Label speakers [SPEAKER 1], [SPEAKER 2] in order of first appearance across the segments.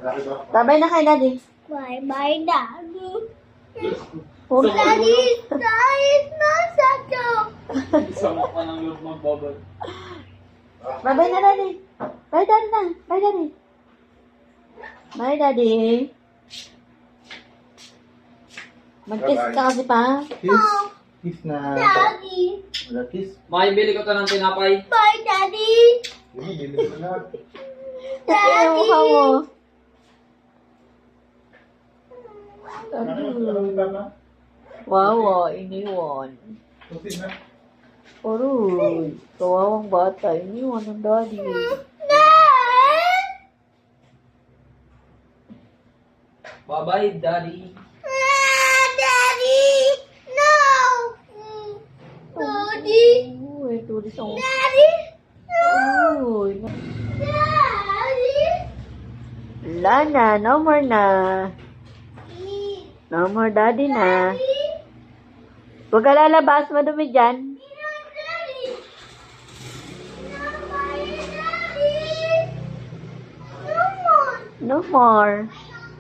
[SPEAKER 1] Babay na kay Daddy.
[SPEAKER 2] Bye-bye, Daddy.
[SPEAKER 1] Oh.
[SPEAKER 2] Daddy, is not such a...
[SPEAKER 3] Sama ka ng loob magbabay.
[SPEAKER 1] Babay na, Daddy. Bye, Daddy na. Bye, Daddy. Bye, Daddy. Mag-kiss ka kasi pa.
[SPEAKER 4] Kiss. Kiss na.
[SPEAKER 2] Daddy.
[SPEAKER 4] Wala kiss.
[SPEAKER 3] Makibili ko to ng tinapay.
[SPEAKER 2] Bye, Daddy.
[SPEAKER 4] Hindi, bili ko na.
[SPEAKER 1] Kasi yung mukha mo.
[SPEAKER 4] Tama.
[SPEAKER 1] Wow, iniwan.
[SPEAKER 4] Tusin na.
[SPEAKER 1] Aroy, kawawang bata. Iniwan ng Daddy.
[SPEAKER 3] Bye-bye, Daddy.
[SPEAKER 2] Daddy. No. Daddy.
[SPEAKER 1] Uy, tulis ang...
[SPEAKER 2] Daddy.
[SPEAKER 1] Uy.
[SPEAKER 2] Daddy.
[SPEAKER 1] Wala na, no more na. No more Daddy na. Huwag ka lalabas, madumi dyan. No more.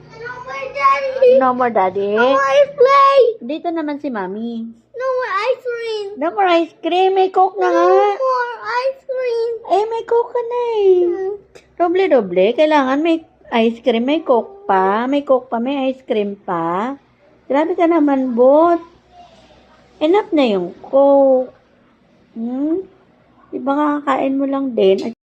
[SPEAKER 1] No more Daddy.
[SPEAKER 2] Play.
[SPEAKER 1] Dito naman si Mami.
[SPEAKER 2] No more ice cream.
[SPEAKER 1] No more ice cream. May coke na nga.
[SPEAKER 2] No more ice cream.
[SPEAKER 1] Eh, may coke ka na eh. Doble-doble. Kailangan may ice cream. May coke pa. May coke pa. May ice cream pa. Grabe ka naman, bot. Enough na yung coke. Diba kakakain mo lang din?